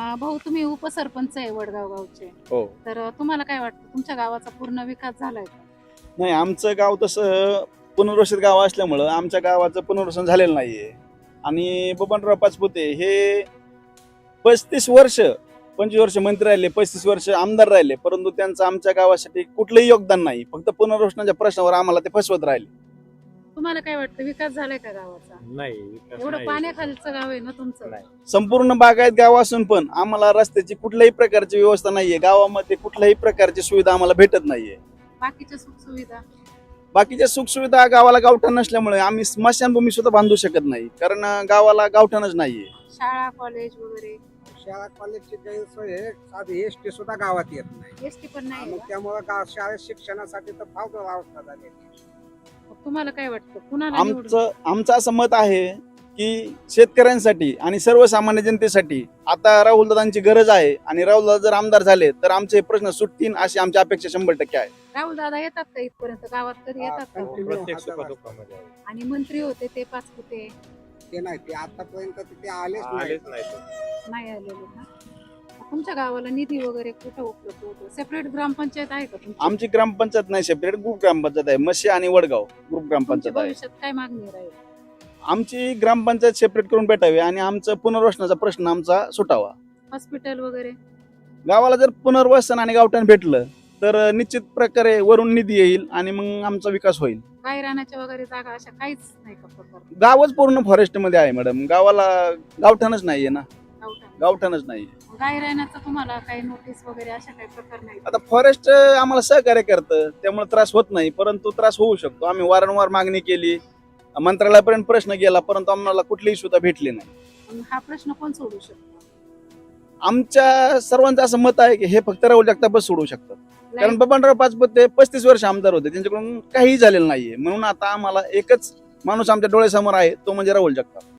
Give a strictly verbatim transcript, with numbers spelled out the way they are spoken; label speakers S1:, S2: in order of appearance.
S1: अं, भाऊ तुम्ही उपसरपंच आहे वडगाव गावचे.
S2: हो.
S1: तर अं, तुम्हाला काय वाटतं तुमच्या गावाचा पूर्ण विकास झालाय का?
S2: नाही, आमचं गाव तसं पुनर्वसित गाव असल्यामुळं आमच्या गावाचं पुनर्वसन झालेलं नाहीये. आणि बबनराव पाचपुते हे पस्तीस वर्ष पंचवीस वर्ष मंत्री राहिले, पस्तीस वर्ष आमदार राहिले, परंतु त्यांचं आमच्या गावासाठी कुठलंही योगदान नाही. फक्त पुनर्वसनाच्या प्रश्नावर आम्हाला ते फसवत राहिले.
S1: तुम्हाला काय वाटतं विकास झालाय का गावाचा?
S3: नाही विकास
S1: एवढं
S3: नाही.
S1: पाण्याखालचं गाव आहे ना तुमचं.
S3: नाही.
S2: संपूर्ण बागायत गाव असून पण आम्हाला रस्त्याची कुठल्याही प्रकारची व्यवस्था नाहीये. गावामध्ये कुठल्याही प्रकारची सुविधा आम्हाला भेटत नाहीये.
S1: बाकीच्या सुखसुविधा
S2: बाकीच्या सुखसुविधा गावाला गावठाण नसल्यामुळे आम्ही स्मशानभूमी सुद्धा बांधू शकत नाही, कारण अं, गावाला गावठाणच नाहीये.
S1: शाळा कॉलेज वगैरे
S4: शाळा कॉलेजची गैरसोय आहे. साधी एस टी सुद्धा गावात येत नाही.
S1: एसटी पण नाही
S4: मग
S1: का?
S4: त्यामुळे गाव शाळेत शिक्षणासाठी तर फार अवस्था झाली.
S1: मग तुम्हाला काय वाटतं कुणाला निवडून?
S2: आमचं आमचं असं मत आहे की शेतकऱ्यांसाठी आणि सर्वसामान्य जनतेसाठी आता राहुलदादांची गरज आहे, आणि राहुलदादा जर आमदार झाले तर आमचे प्रश्न सुटतील अशी आमची अपेक्षा शंभर टक्के आहे.
S1: राहुल दादा येतात का इथपर्यंत गावात कधी येतात का?
S4: हा,
S3: प्रत्येक सुखदुःखामध्ये आहे.
S1: आणि मंत्री होते ते पाचपुते
S4: ते नाही, ते आतापर्यंत तिथे आलेच नाही.
S3: आलेच नाही तो.
S1: नाही आलेले ना. तुमच्या गावाला निधी वगैरे कुठं उपलब्ध होतो? सेपरेट ग्रामपंचायत आहे का तुमची?
S2: आमची ग्रामपंचायत नाही, सेपरेट ग्रुप ग्रामपंचायत आहे. मशी आणि वडगाव ग्रुप
S1: तुमच्या
S2: ग्रामपंचायत आहे.
S1: भविष्यात काय मागणी राहील?
S2: आमची ग्रामपंचायत सेपरेट करून भेटावी आणि आमचं पुनर्वसनाचा प्रश्न आमचा सुटावा.
S1: हॉस्पिटल वगैरे
S2: गावाला जर पुनर्वसन आणि गावठाण भेटलं तर निश्चित प्रकारे वरून निधी येईल आणि मग आमचा विकास होईल.
S1: गाय राहण्याच्या वगैरे जागा अशा काहीच नाही का प्रकार?
S2: गावच पूर्ण फॉरेस्ट मध्ये आहे मॅडम. गावाला गावठाणच नाहीये ना,
S1: गावठाण.
S2: गावठाणच नाहीये.
S1: गाय राहण्याचा तुम्हाला काही नोटीस वगैरे अशा काही प्रकार नाही?
S2: आता फॉरेस्ट आम्हाला सहकार्य करतं, त्यामुळे त्रास होत नाही, परंतु त्रास होऊ शकतो. आम्ही वारंवार मागणी केली, मंत्रालयापर्यंत प्रश्न गेला, परंतु आम्हाला कुठलीही सुद्धा भेटली नाही.
S1: पण हा प्रश्न कोण सोडू शकतो?
S2: आमच्या सर्वांचं असं मत आहे की हे फक्त राहुल जगतापच सोडू शकतात, कारण बबनराव पाचपुते पस्तीस वर्ष आमदार होते, त्यांच्याकडून काही झालेलं नाहीये. म्हणून आता आम्हाला एकच माणूस आमच्या डोळ्यासमोर आहे, तो म्हणजे राहुल जगताप.